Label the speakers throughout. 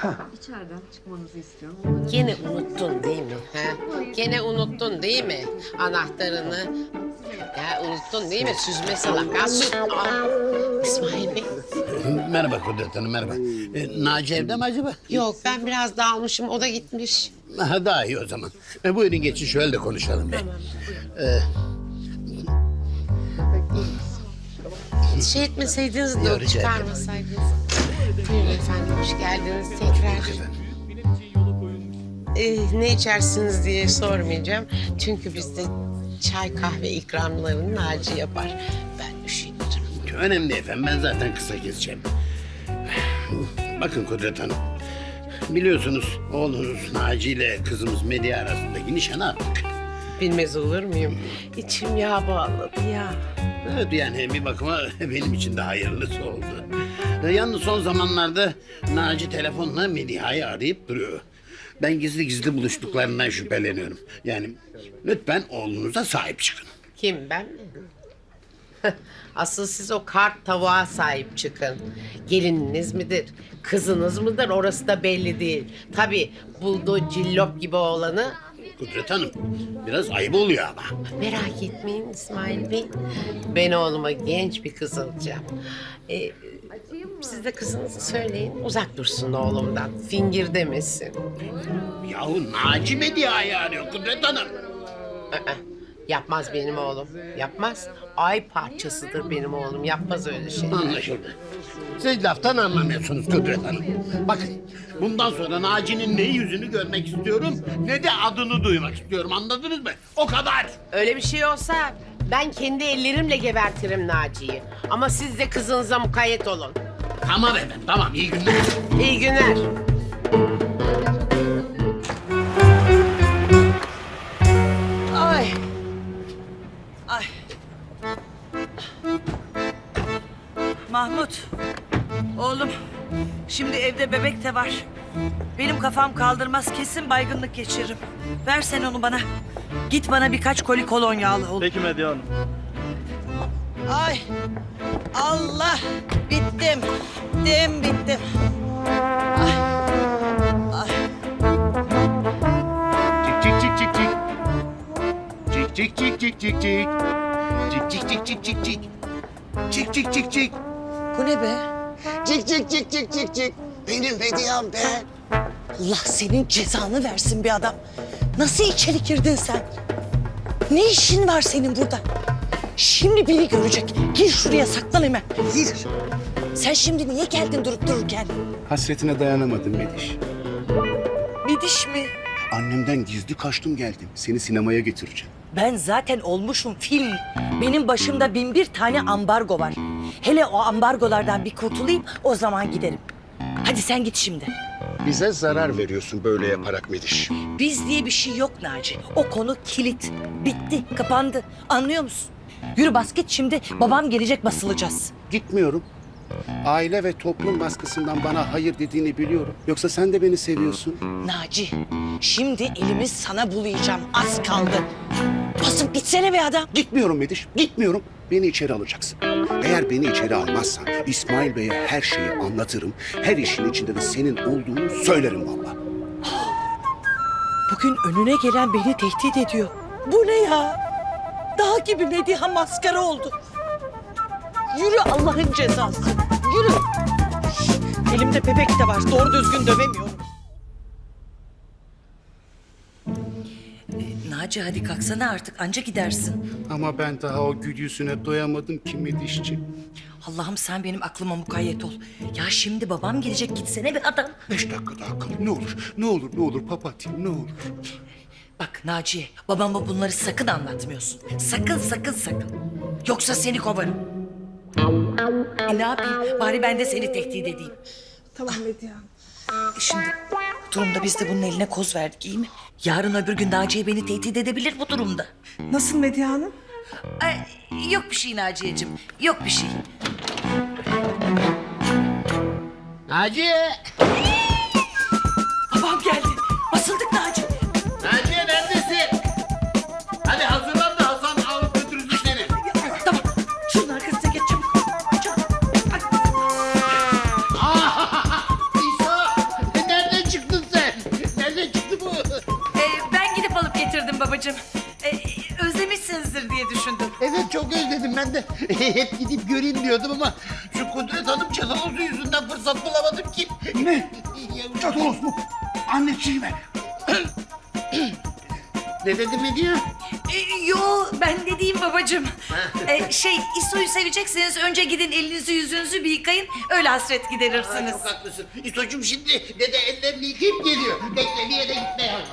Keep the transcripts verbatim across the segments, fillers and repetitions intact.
Speaker 1: İçeriden çıkmanızı istiyorum. Onları...
Speaker 2: Gene unuttun değil mi? He? Gene unuttun değil mi? Anahtarını. Ya unuttun değil mi? Süzme salak. Ha, sü- Aa, İsmail Bey.
Speaker 3: Merhaba Kudret Hanım, merhaba. E, Naci evde mi acaba?
Speaker 2: Yok ben biraz dağılmışım. O da gitmiş.
Speaker 3: Aha, daha iyi o zaman. E, buyurun geçin şöyle de konuşalım be.
Speaker 2: Şey etmeseydiniz de
Speaker 3: Ya,
Speaker 2: o
Speaker 3: rica ederim.
Speaker 2: çıkarmasaydınız. Buyurun efendim hoş geldiniz tekrar. Ee, ne içersiniz diye sormayacağım. Çünkü bizde çay kahve ikramlarını Naci yapar. Ben üşenirim.
Speaker 3: Önemli değil efendim, ben zaten kısa keseceğim. Bakın Kudret Hanım, biliyorsunuz oğlunuz Naci ile kızımız Medya arasındaki nişanı attık.
Speaker 2: Bilmez olur muyum? İçim yağ bağladı ya.
Speaker 3: Evet, yani bir bakıma benim için de hayırlısı oldu. E, Yalnız son zamanlarda Naci telefonla Mediha'yı arayıp duruyor. Ben gizli gizli buluştuklarından şüpheleniyorum. Yani lütfen oğlunuza sahip çıkın.
Speaker 2: Kim ben mi? Asıl siz o kart tavuğa sahip çıkın. Gelininiz midir, kızınız mıdır orası da belli değil. Tabii bulduğu cillop gibi oğlanı
Speaker 3: Kudret Hanım, biraz ayıp oluyor ama.
Speaker 2: merak etmeyin İsmail Bey. Ben oğluma genç bir kız alacağım. Ee, siz de kızınızı söyleyin uzak dursun oğlumdan. Fingir demesin.
Speaker 3: Yahu Naci Mediha'yı arıyor Kudret Hanım.
Speaker 2: Aa, yapmaz benim oğlum. Yapmaz. Ay parçasıdır benim oğlum. Yapmaz öyle şey.
Speaker 3: Anlaşıldı. Siz laftan anlamıyorsunuz Kudret Hanım. Bakın, bundan sonra Naci'nin ne yüzünü görmek istiyorum, ne de adını duymak istiyorum. Anladınız mı? O kadar.
Speaker 2: Öyle bir şey olsa ben kendi ellerimle gebertirim Naci'yi. Ama siz de kızınıza mukayyet olun.
Speaker 3: Tamam efendim, tamam. İyi günler.
Speaker 2: İyi günler.
Speaker 4: Ay. Ay. Mahmut. Oğlum. Şimdi evde bebek de var. Benim kafam kaldırmaz, kesin baygınlık geçiririm. Ver sen onu bana. Git bana birkaç koli kolonya al oğlum.
Speaker 5: Peki Medya Hanım.
Speaker 4: Ay. Allah. Bittim. Bittim, bittim. Ay. Ay.
Speaker 3: Cik cik cik cik cik. Cik cik cik cik cik cik. Cik cik cik cik cik cik. Cik cik cik cik.
Speaker 4: Bu ne be?
Speaker 6: Cik cik cik cik cik cik. Benim hediyem be.
Speaker 4: Allah senin cezanı versin bir adam. Nasıl içeri girdin sen? Ne işin var senin burada? Şimdi biri görecek. Gir şuraya saklan hemen. Gir. Sen şimdi niye geldin durup dururken?
Speaker 7: Hasretine dayanamadım Mediş.
Speaker 4: Midiş mi?
Speaker 7: Annemden gizli kaçtım geldim. Seni sinemaya götüreceğim.
Speaker 4: Ben zaten olmuşum film. Benim başımda bin bir tane ambargo var. Hele o ambargolardan bir kurtulayım, o zaman giderim. Hadi sen git şimdi.
Speaker 7: Bize zarar veriyorsun böyle yaparak Mediş.
Speaker 4: Biz diye bir şey yok Naci. O konu kilit. Bitti, kapandı. Anlıyor musun? Yürü bas git şimdi. Babam gelecek, basılacağız.
Speaker 7: Gitmiyorum. Aile ve toplum baskısından bana hayır dediğini biliyorum. Yoksa sen de beni seviyorsun.
Speaker 4: Naci, şimdi elimi sana bulayacağım. Az kaldı. Basıp gitsene be adam.
Speaker 7: Gitmiyorum Mediş, gitmiyorum. Beni içeri alacaksın. Eğer beni içeri almazsan İsmail Bey'e her şeyi anlatırım. Her işin içinde de senin olduğunu söylerim vallahi.
Speaker 4: Bugün önüne gelen beni tehdit ediyor. Bu ne ya? Dağ gibi Mediha maskara oldu. Yürü Allah'ın cezası. Yürü. Elimde bebek de var. Doğru düzgün dövemiyorum. Ee, Naci hadi kalksana artık. Anca gidersin.
Speaker 7: Ama ben daha o gül yüzüne doyamadım ki Medişçi.
Speaker 4: Allah'ım sen benim aklıma mukayyet ol. Ya şimdi babam gelecek, gitsene bir adam.
Speaker 7: Beş dakika daha kal. Ne olur, ne olur, ne olur papatyam, ne olur.
Speaker 4: Bak Naciye, babama bunları sakın anlatmıyorsun. Sakın, sakın, sakın. Yoksa seni kovarım. E, ne yapayım? Bari ben de seni tehdit edeyim.
Speaker 8: Tamam Medya.
Speaker 4: E şimdi bu durumda biz de bunun eline koz verdik, iyi mi? Yarın öbür gün Naciye beni tehdit edebilir bu durumda.
Speaker 8: Nasıl Medya Hanım?
Speaker 4: Ay, yok bir şey Naciye'cim, yok bir şey.
Speaker 3: Naci!
Speaker 4: Babam geldi. Basıldık Naci.
Speaker 3: Naci neredesin? Hadi hazırlan da Hasan alıp götürecek seni.
Speaker 4: Tamam, şunun arkasına geç çabuk. Çabuk.
Speaker 3: İso! Nerede? geldim ben de. Hep gidip göreyim diyordum ama şu Kudret Hanım cadalozu yüzünden fırsat bulamadım ki.
Speaker 7: Ne? Cadolos mu? Anneciğime.
Speaker 3: Ne dedi Medya?
Speaker 5: E, yo ben ne diyeyim babacığım. E, şey İso'yu sevecekseniz önce gidin elinizi yüzünüzü bir yıkayın. Öyle hasret
Speaker 3: Aa,
Speaker 5: giderirsiniz.
Speaker 3: çok haklısın. İsocuğum şimdi dede ellerini yıkayıp geliyor. Bekle bir yere gitme yavrum.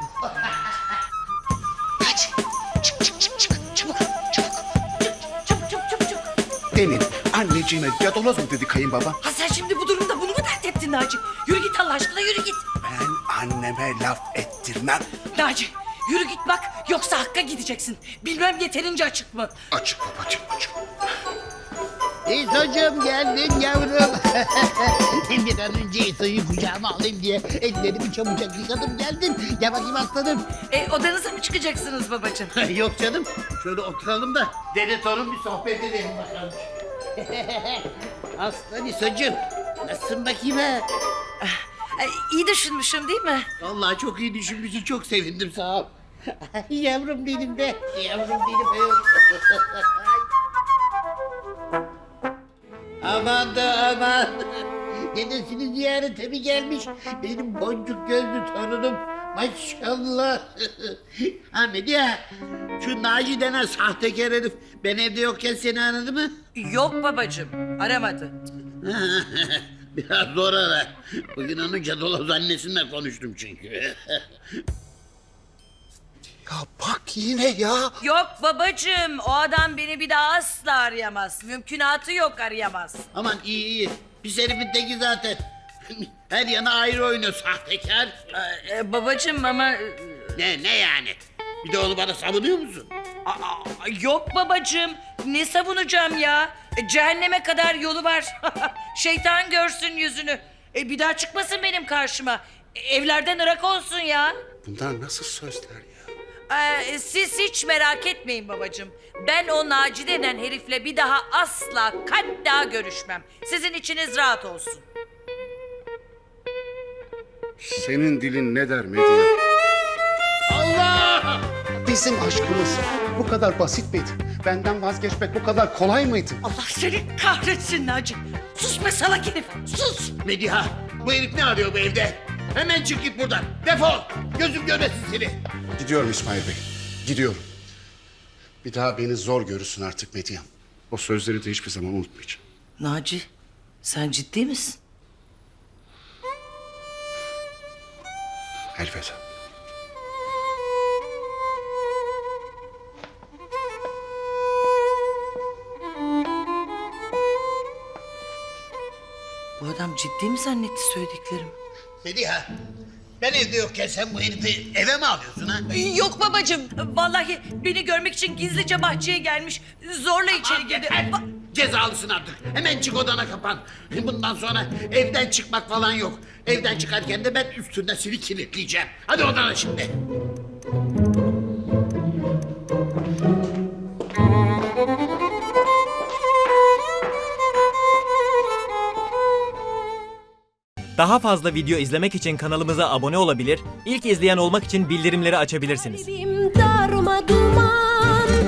Speaker 4: Hadi çık çık çık çık çabuk çabuk.
Speaker 5: Çabuk çabuk çabuk çabuk.
Speaker 7: Demin anneciğime cadaloz mu dedi kayınbaba?
Speaker 5: Ha sen şimdi bu durumda bunu mu dert ettin Naci? Yürü git Allah aşkına yürü git.
Speaker 7: Ben anneme laf ettirmem.
Speaker 5: Naci yürü git bak yoksa Hakk'a gideceksin. Bilmem yeterince açık mı?
Speaker 7: Açık babacığım açık.
Speaker 3: İsocuğum geldim yavrum. Bir an önce İso'yu kucağıma alayım diye ellerimi çabucak yıkadım geldim. Gel bakayım aslanım.
Speaker 5: E, odanıza mı çıkacaksınız babacığım?
Speaker 3: Yok canım. Şöyle oturalım da dede torun bir sohbet edelim bakalım. Aslan İsocuğum. Nasılsın bakayım ha?
Speaker 5: E, iyi düşünmüşüm değil mi?
Speaker 3: Vallahi çok iyi düşünmüşsün. Çok sevindim sağ ol. Yavrum benim be. Yavrum benim. Aman da aman. Dedesini ziyarete mi gelmiş? Benim boncuk gözlü torunum. Maşallah. Ha Medya, şu Naci denen sahtekar herif ben evde yokken seni aradı mı?
Speaker 5: Yok babacığım aramadı.
Speaker 3: Biraz zor ara. Bugün onun cadaloz annesiyle konuştum çünkü.
Speaker 7: Ya bak yine ya.
Speaker 5: Yok babacığım o adam beni bir daha asla arayamaz. Mümkünatı yok arayamaz.
Speaker 3: Aman iyi iyi. Pis herifin teki zaten. Her yana ayrı oynuyor sahtekar.
Speaker 5: Ee, e, babacığım ama...
Speaker 3: Ne ne yani? Bir de onu bana savunuyor musun?
Speaker 5: Aa, yok babacığım ne savunacağım ya? E, cehenneme kadar yolu var. Şeytan görsün yüzünü. E, bir daha çıkmasın benim karşıma. E, evlerden ırak olsun ya.
Speaker 7: Bunlar nasıl sözler ya?
Speaker 5: Ee, siz hiç merak etmeyin babacığım. Ben o Naci denen herifle bir daha asla hatta görüşmem. Sizin içiniz rahat olsun.
Speaker 7: Senin dilin ne der Medya?
Speaker 3: Allah!
Speaker 7: Bizim aşkımız bu kadar basit miydi? Benden vazgeçmek bu kadar kolay mıydı?
Speaker 5: Allah seni kahretsin Naci. Sus be salak herif, sus.
Speaker 3: Mediha, bu herif ne arıyor bu evde? Hemen çık git buradan. Defol. Gözüm görmesin seni.
Speaker 7: Gidiyorum İsmail Bey. Gidiyorum. Bir daha beni zor görürsün artık Medyam. O sözleri de hiçbir zaman unutmayacağım.
Speaker 5: Naci, sen ciddi misin?
Speaker 7: Elveda.
Speaker 5: Bu adam ciddi mi zannetti söylediklerimi?
Speaker 3: Mediha, ben evde yokken sen bu herifi eve mi alıyorsun ha?
Speaker 5: Yok babacığım. Vallahi beni görmek için gizlice bahçeye gelmiş. Zorla içeri girdi.
Speaker 3: Yeter.
Speaker 5: Ba-
Speaker 3: Cezalısın artık. Hemen çık odana kapan. Bundan sonra evden çıkmak falan yok. Evden çıkarken de ben üstünden seni kilitleyeceğim. Hadi odana şimdi.
Speaker 9: Daha fazla video izlemek için kanalımıza abone olabilir, ilk izleyen olmak için bildirimleri açabilirsiniz.
Speaker 10: Kalbim darma duman